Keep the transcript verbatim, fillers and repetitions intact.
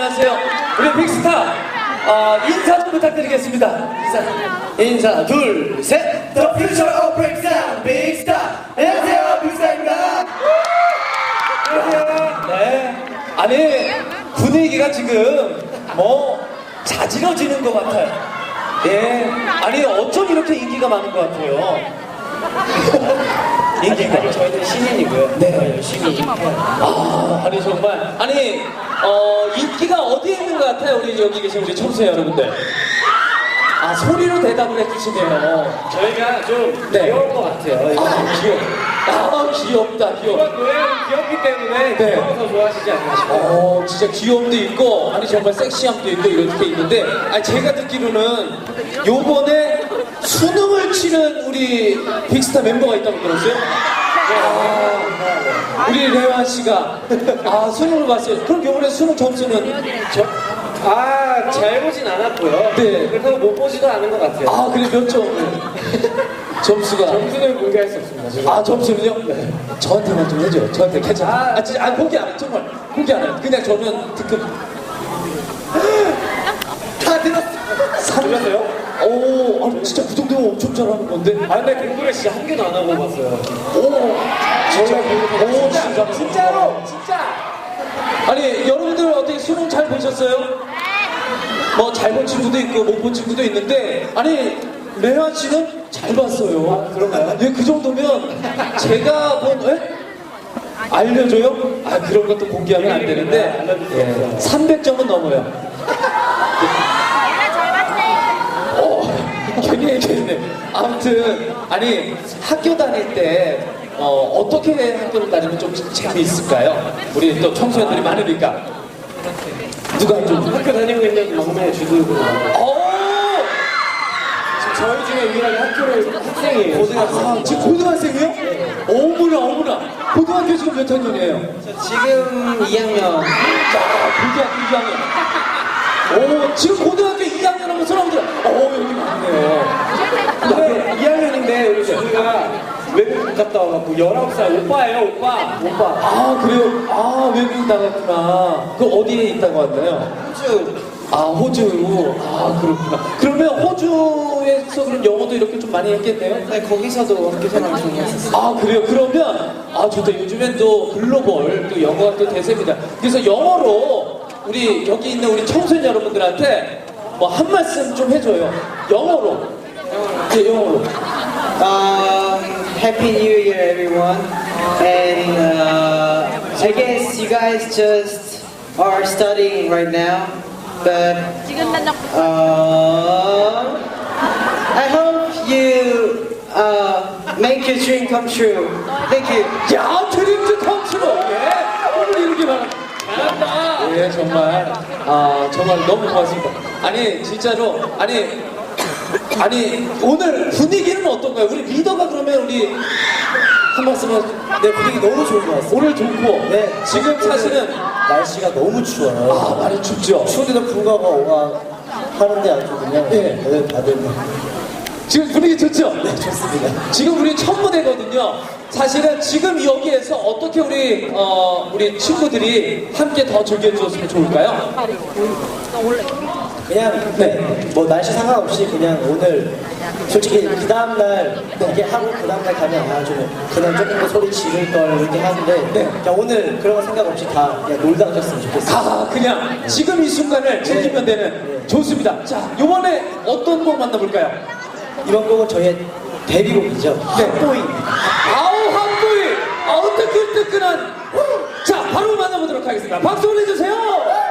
안녕하세요. 우리 빅스타 어, 인사 좀 부탁드리겠습니다. 인사, 인사 둘, 셋. The future of 빅스타, 빅스타. 안녕하세요, 빅스타입니다. 안녕하세요. 네. 아니 분위기가 지금 뭐 자지러지는 것 같아요. 예. 아니 어쩜 이렇게 인기가 많은 것 같아요. 인기가 아니, 저희는 신인이고요. 네. 열심히. 아, 아니 정말 아니 어 인기가 어디에 있는 것 같아요, 우리 여기 계신 우리 청소년 여러분들. 아, 소리로 대답을 해주시네요. 저희가 좀 네. 귀여울 것 같아요. 아, 귀여워. 아, 귀엽다, 귀여워. 이번 노래는 귀엽기 때문에 네. 귀여워서 좋아하시지 않나 싶어요. 어, 진짜 귀여움도 있고, 아니 정말 섹시함도 있고 이렇게 있는데, 아니 제가 듣기로는 요번에 수능을 치는 우리 빅스타 멤버가 있다고 들었어요? 아, 우리 레완 씨가 아 수능을 봤어요. 그럼 요번에 수능 점수는 저, 아, 잘 보진 않았고요. 네. 그렇다고 못 보지도 않은 것 같아요. 아 그래 몇 점? 점수가 점수는 공개할 수 없습니다. 지금. 아 점수는요? 네. 저한테만 좀 해줘요. 저한테 괜찮아. 아, 아 진짜 아 공개 안 해. 정말 공개 안 해. 그냥 저는 특급. 다 들었어. 들렸어요? 오, 아 진짜 그 정도면 엄청 잘하는 건데. 아, 근데 공부를 진짜 한 개도 안 하고 봤어요. 오, 진짜. 오, 진짜. 진짜로! 진짜! 아니 여러분들 어떻게 수능 잘 보셨어요? 뭐 잘 본 친구도 있고 못 본 친구도 있는데 아니 레완 씨는 잘 봤어요. 아, 그런가요? 예, 그 정도면 제가 본 예? 알려줘요? 아 그런 것도 공개하면 안 되는데 예, 삼백 점은 넘어요. 어, 괜히 얘기했네. 아무튼 아니 학교 다닐 때 어, 어떻게 학교를 다니면 좀 재미있을까요? 우리 또 청소년들이 많으니까 누가 좀 학교 다니고 있는 막내 주도부로 어! 저희 중에 유일하게 학교를 학생이에요. 고등학생. 아, 지금 고등학생이요? 어머나 어머나. 고등학교 지금 몇 학년이에요? 지금 이 학년. 자, 고등학교 이 학년. 오, 지금 고등학교 이 학년 하면 사람들, 어, 여기 많네요. 근데 이 학년인데 우리 주부가 외국 갔다 와갖고 열아홉 살 오빠예요, 오빠. 오빠. 아, 그래요? 아, 외국 나갔구나. 그 어디에 있다고 왔나요? 호주. 아, 호주. 아, 그렇구나. 그러면 호주에서 그럼 영어도 이렇게 좀 많이 했겠네요? 네, 거기서도 학교 생활 좀 했었어요. 아 그래요? 그러면 아 좋다. 요즘엔 또 글로벌 또 영어가 또 대세입니다. 그래서 영어로 우리 여기 있는 우리 청소년 여러분들한테 뭐 한 말씀 좀 해줘요. 영어로. 네, 영어로. Um, Happy New Year, everyone. And uh, I guess you guys just are studying right now, but uh, I hope you uh, make your dream come true. Thank you. 야, 드림즈 컴트로. 예. 오늘 이렇게 말합니다. 잘한다. 예, 정말 아 정말 너무 고맙습니다. 아니 진짜로 아니. 아니 오늘 분위기는 어떤가요? 우리 리더가 그러면 우리 한 말씀은 네, 분위기 너무 좋은 것 같습니다. 오늘 좋고 네, 지금 사실은 날씨가 너무 추워요. 아 많이 춥죠? 추운데도 불구하고 와 하는데 아주 그냥 네. 네, 다들 지금 분위기 좋죠? 네, 좋습니다. 지금 우리 첫 무대거든요. 사실은 지금 여기에서 어떻게 우리 어 우리 친구들이 함께 더 즐겨주었으면 좋을까요? 그냥 네. 뭐 날씨 상관없이 그냥 오늘 솔직히 그 다음날 이렇게 하고 그 다음날 가면 아 좀 그냥 조금 더 소리 지를 걸 이렇게 하는데 네. 그냥 오늘 그런 거 생각 없이 다 그냥 놀다 가셨으면 좋겠어요. 아 그냥 지금 이 순간을 즐기면 되는 좋습니다. 자 이번에 어떤 곡 만나볼까요? 이번 곡은 저희의 데뷔곡이죠. 네. 핫보이. 아우 한보이 아우 뜨끈뜨끈한 자 바로 만나보도록 하겠습니다. 박수 보내주세요.